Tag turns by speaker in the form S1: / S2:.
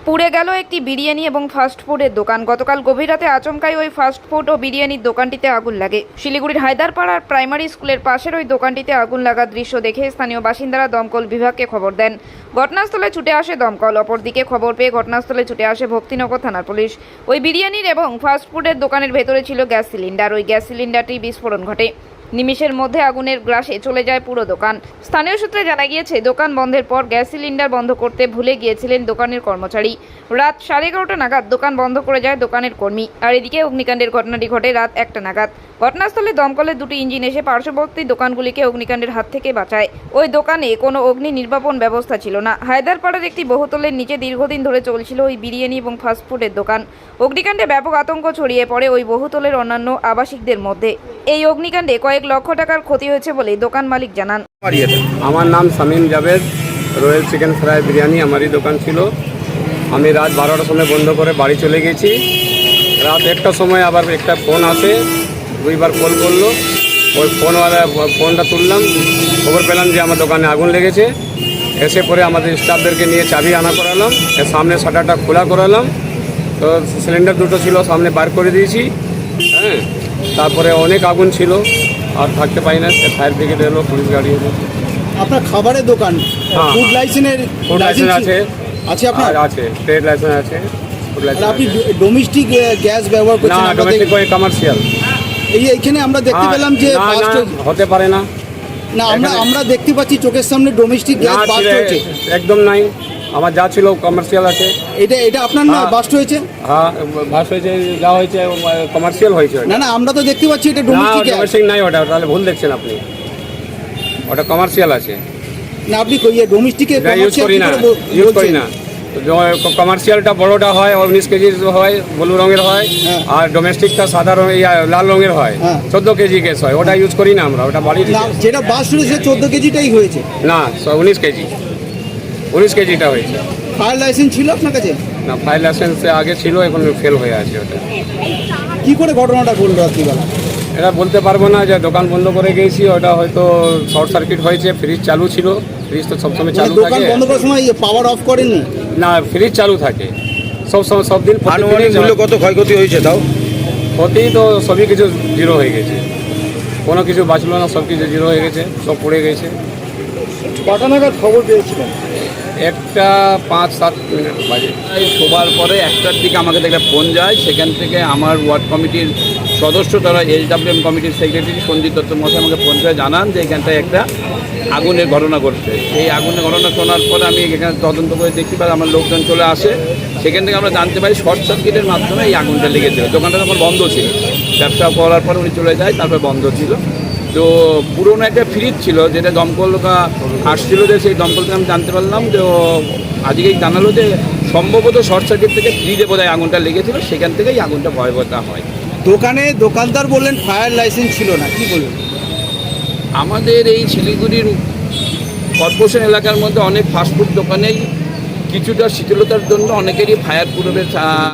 S1: পুড়ে গেল একটি বিরিয়ানি এবং ফাস্টফুডের দোকান। গতকাল গভীর রাতে আচমকাই ওই ফাস্টফুড ও বিরিয়ানির দোকানটিতে আগুন লাগে। শিলিগুড়ির হায়দারপাড়ার প্রাইমারি স্কুলের পাশের ওই দোকানটিতে আগুন লাগার দৃশ্য দেখে স্থানীয় বাসিন্দারা দমকল বিভাগকে খবর দেন। ঘটনাস্থলে ছুটে আসে দমকল। অপরদিকে খবর পেয়ে ঘটনাস্থলে ছুটে আসে ভক্তিনগর থানার পুলিশ। ওই বিরিয়ানির এবং ফাস্টফুডের দোকানের ভেতরে ছিল গ্যাস সিলিন্ডার। ওই গ্যাস সিলিন্ডারটি বিস্ফোরণ ঘটে। নিমিষের মধ্যে আগুনের গ্রাসে চলে যায় পুরো দোকান। স্থানীয় সূত্রে জানা গিয়েছে, দোকান বন্ধের পর গ্যাস সিলিন্ডার বন্ধ করতে ভুলে গিয়েছিলেন দোকানের কর্মচারী। রাত 11:30 নাগাদ দোকান বন্ধ করে যায় দোকানের কর্মী। আর এদিকে অগ্নিকাণ্ডের ঘটনাটি ঘটে রাত 1টা নাগাদ। ঘটনাস্থলে দমকলের দুটি ইঞ্জিন এসে পার্শ্ববর্তী দোকানগুলিকে অগ্নিকাণ্ডের হাত থেকে বাঁচায়। ওই দোকানে কোনো অগ্নি নির্বাপন ব্যবস্থা ছিল না। হায়দারপাড়ার একটি বহুতলের নিচে দীর্ঘদিন ধরে চলছিল ওই বিরিয়ানি এবং ফাস্টফুডের দোকান। অগ্নিকাণ্ডে ব্যাপক আতঙ্ক ছড়িয়ে পড়ে ওই বহুতলের অন্যান্য আবাসিকদের মধ্যে। এই অগ্নিকাণ্ডে কয়েক লক্ষ টাকার ক্ষতি হয়েছে বলে দোকান মালিক জানান।
S2: আমার নাম Shamim Javed. Royal chicken fry biryani আমারই দোকান ছিল। আমি রাত 12টার সময় বন্ধ করে বাড়ি চলে গেছি। রাত 1টার সময় আবার একটা ফোন আসে, দুইবার কল করলো। ওই ফোনটা তুললাম, খবর পেলাম যে আমার দোকানে আগুন লেগেছে। এসে পরে আমাদের স্টাফদেরকে নিয়ে চাবি আনা করালাম, এর সামনে শাটারটা খোলা করালাম। তো সিলিন্ডার দুটো ছিল, সামনে বার করে দিয়েছি। হ্যাঁ, তারপরে অনেক আগুন ছিল, আর থাকতে পারি না। ফায়ার ব্রিগেড এলো, পুলিশ গাড়ি এলো।
S3: আপনার খাবারের দোকান, ফুড লাইসেন্স
S2: আছে?
S3: আছে আপনার?
S2: আছে, ট্রেড লাইসেন্স আছে। ফুড লাইসেন্স
S3: আপনি ডোমেস্টিক গ্যাস ব্যবহার করছেন?
S2: না, ডোমেস্টিক ওই কমার্শিয়াল।
S3: এইখানে আমরা দেখতে পেলাম যে
S2: হতে পারে না।
S3: না, আমরা দেখতে পাচ্ছি চোখের সামনে ডোমেস্টিক গ্যাস বাস্ট হয়েছে।
S2: একদম নাই, আমার যা ছিল কমার্শিয়াল আছে।
S3: এটা আপনার না বাস্ট হয়েছে?
S2: হ্যাঁ, বাস্ট হয়েছে, যা হয়েছে কমার্শিয়াল হয়েছে।
S3: না, আমরা তো দেখতে পাচ্ছি এটা ডোমেস্টিক গ্যাস।
S2: ডোমেস্টিক নাই ওটা, তাহলে ভুল দেখছেন আপনি। ওটা কমার্শিয়াল আছে।
S3: না, আপনি ডোমেস্টিকে
S2: ইউজ করি না। কমার্শিয়ালটা বড়টা হয়, 19 কেজি হয়, ব্লু রঙের হয়। আর ডোমেস্টিকটা সাদা লাল রঙের হয়, 14 কেজি গ্যাস হয়। ওটা ইউজ করি না আমরা, ওটা বাড়ির।
S3: যেটা বাস্ট হয়েছে 14 কেজিটাই হয়েছে?
S2: না, 19 কেজিটা হয়েছে।
S3: ফায়ার লাইসেন্স ছিল আপনার কাছে?
S2: না, ফায়ার লাইসেন্স আগে ছিল, এখন ফেল হয়ে আছে। ওটা
S3: কি করে ঘটনাটা ঘটলো রাত্রিবেলা?
S2: এটা বলতে পারবো না, যে দোকান বন্ধ করে গেছি। ওটা হয়তো শর্ট সার্কিট হয়েছে। ফ্রিজ চালু ছিল, ফ্রিজ তো সবসময় চালু থাকে।
S3: দোকান বন্ধ করার সময় পাওয়ার অফ করেননি?
S2: না, ফ্রিজ চালু থাকে সবসময়, সব দিন।
S4: আনুমানিক মূল্য কত ক্ষয়ক্ষতি হয়েছে তাও?
S2: ক্ষতি তো সবই কিছু জিরো হয়ে গেছে, কোনো কিছু বাঁচলো না, সব কিছু জিরো হয়ে গেছে, সব পড়ে গেছে।
S3: কটা নাগাদ খবর পেয়েছিলেন?
S2: 1টা 5-7 মিনিট বাজে।
S4: শোবার পরে 1টার দিকে আমাকে একটা ফোন যায়। সেখান থেকে আমার ওয়ার্ড কমিটির সদস্য, তারা SWM কমিটির সেক্রেটারি সঞ্জিত দত্ত মশাই আমাকে ফোন করে জানান যে এখানটায় একটা আগুনের ঘটনা ঘটছে। এই আগুনের ঘটনা শোনার পরে আমি এখানে তদন্ত করে দেখি, বা আমার লোকজন চলে আসে। সেখান থেকে আমরা জানতে পারি শর্ট সার্কিটের মাধ্যমে এই আগুনটা লেগেছিল। দোকানটা তখন বন্ধ ছিল, ব্যবসা করার পর উনি চলে যায়, তারপরে বন্ধ ছিল। তো পুরোনো একটা ফ্রিজ ছিল, যেটা দমকল আসছিল, যে সেই দমকল থেকে আমি জানতে পারলাম যে আজকেই জানালো যে সম্ভবত শর্ট সার্কিট থেকে ফ্রিজে বোধহয় আগুনটা লেগেছিল, সেখান থেকেই আগুনটা ভয়াবহতা হয়।
S3: দোকানদার বললেন ফায়ার লাইসেন্স ছিল না, কি বলবেন?
S4: আমাদের এই শিলিগুড়ির কর্পোরেশন এলাকার মধ্যে অনেক ফাস্টফুড দোকানেই কিছুটা শীতলতার জন্য অনেকেরই ফায়ার প্রুফের